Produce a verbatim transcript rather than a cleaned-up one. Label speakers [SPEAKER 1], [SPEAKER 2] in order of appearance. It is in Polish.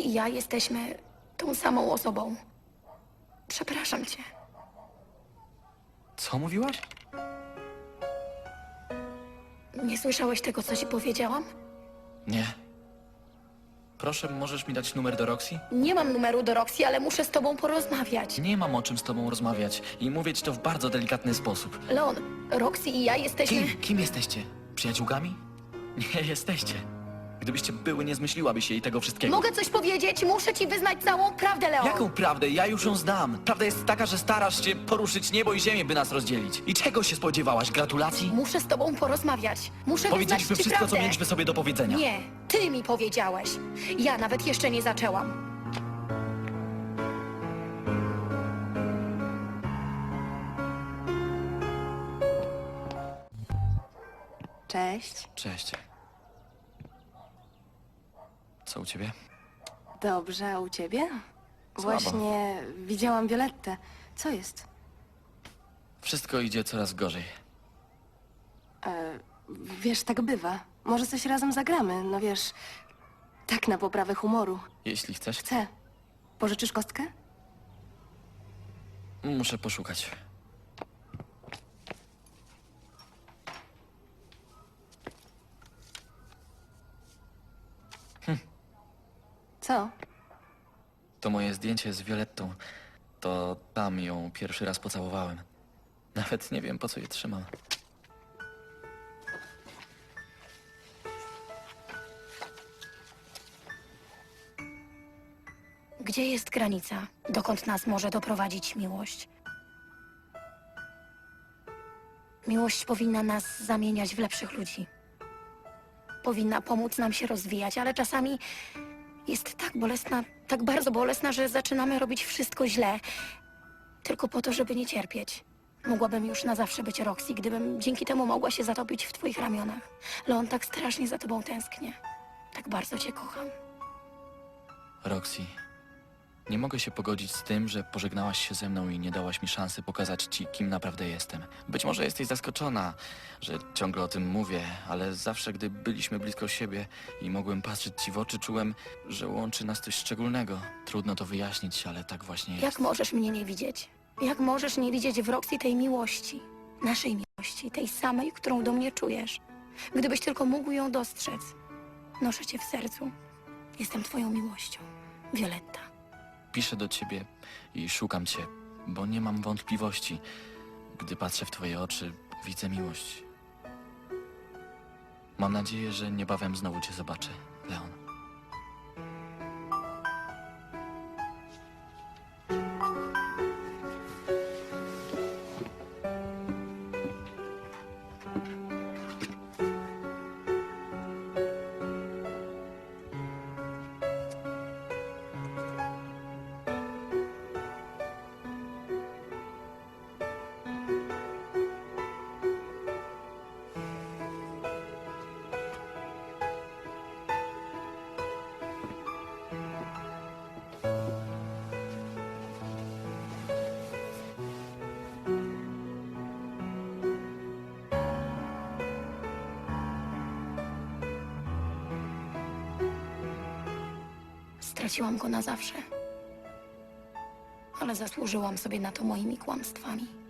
[SPEAKER 1] i ja jesteśmy tą samą osobą. Przepraszam cię.
[SPEAKER 2] Co mówiłaś?
[SPEAKER 1] Nie słyszałeś tego, co ci powiedziałam?
[SPEAKER 2] Nie. Proszę, możesz mi dać numer do Roxy?
[SPEAKER 1] Nie mam numeru do Roxy, ale muszę z tobą porozmawiać.
[SPEAKER 2] Nie mam o czym z tobą rozmawiać i mówię ci to w bardzo delikatny sposób.
[SPEAKER 1] Leon, Roxy i ja jesteśmy...
[SPEAKER 2] Kim? Kim jesteście? Przyjaciółkami? Nie jesteście. Gdybyście były, nie zmyśliłabyś jej tego wszystkiego.
[SPEAKER 1] Mogę coś powiedzieć? Muszę ci wyznać całą prawdę, Leon.
[SPEAKER 2] Jaką prawdę? Ja już ją znam. Prawda jest taka, że starasz się poruszyć niebo i ziemię, by nas rozdzielić. I czego się spodziewałaś? Gratulacji?
[SPEAKER 1] Muszę z tobą porozmawiać. Muszę
[SPEAKER 2] Powiedzieliśmy
[SPEAKER 1] wyznać ci
[SPEAKER 2] wszystko,
[SPEAKER 1] prawdę.
[SPEAKER 2] co mieliśmy sobie do powiedzenia.
[SPEAKER 1] Nie, ty mi powiedziałeś. Ja nawet jeszcze nie zaczęłam.
[SPEAKER 3] Cześć.
[SPEAKER 2] Cześć. Co u ciebie?
[SPEAKER 3] Dobrze, a u ciebie?
[SPEAKER 2] Słabo.
[SPEAKER 3] Właśnie widziałam Violettę. Co jest?
[SPEAKER 2] Wszystko idzie coraz gorzej.
[SPEAKER 3] E, wiesz, tak bywa. Może coś razem zagramy, no wiesz... Tak na poprawę humoru.
[SPEAKER 2] Jeśli chcesz,
[SPEAKER 3] Chcę. Pożyczysz kostkę?
[SPEAKER 2] muszę poszukać.
[SPEAKER 3] Co?
[SPEAKER 2] To moje zdjęcie z Violettą. To tam ją pierwszy raz pocałowałem. Nawet nie wiem, po co je trzymam.
[SPEAKER 1] Gdzie jest granica, dokąd nas może doprowadzić miłość? Miłość powinna nas zamieniać w lepszych ludzi. Powinna pomóc nam się rozwijać, ale czasami jest tak bolesna, tak bardzo bolesna, że zaczynamy robić wszystko źle. Tylko po to, żeby nie cierpieć. Mogłabym już na zawsze być Roxy, gdybym dzięki temu mogła się zatopić w twoich ramionach. Leon, tak strasznie za tobą tęsknię. Tak bardzo cię kocham.
[SPEAKER 2] Roxy, nie mogę się pogodzić z tym, że pożegnałaś się ze mną i nie dałaś mi szansy pokazać ci, kim naprawdę jestem. Być może jesteś zaskoczona, że ciągle o tym mówię, ale zawsze, gdy byliśmy blisko siebie i mogłem patrzeć ci w oczy, czułem, że łączy nas coś szczególnego. Trudno to wyjaśnić, ale tak właśnie jest.
[SPEAKER 1] Jak możesz mnie nie widzieć? Jak możesz nie widzieć w Roxy tej miłości? Naszej miłości, tej samej, którą do mnie czujesz. Gdybyś tylko mógł ją dostrzec. Noszę cię w sercu. Jestem twoją miłością. Violetta.
[SPEAKER 2] Piszę do ciebie i szukam cię, bo nie mam wątpliwości. Gdy patrzę w twoje oczy, widzę miłość. Mam nadzieję, że niebawem znowu cię zobaczę, Leon.
[SPEAKER 1] Straciłam go na zawsze. Ale zasłużyłam sobie na to moimi kłamstwami.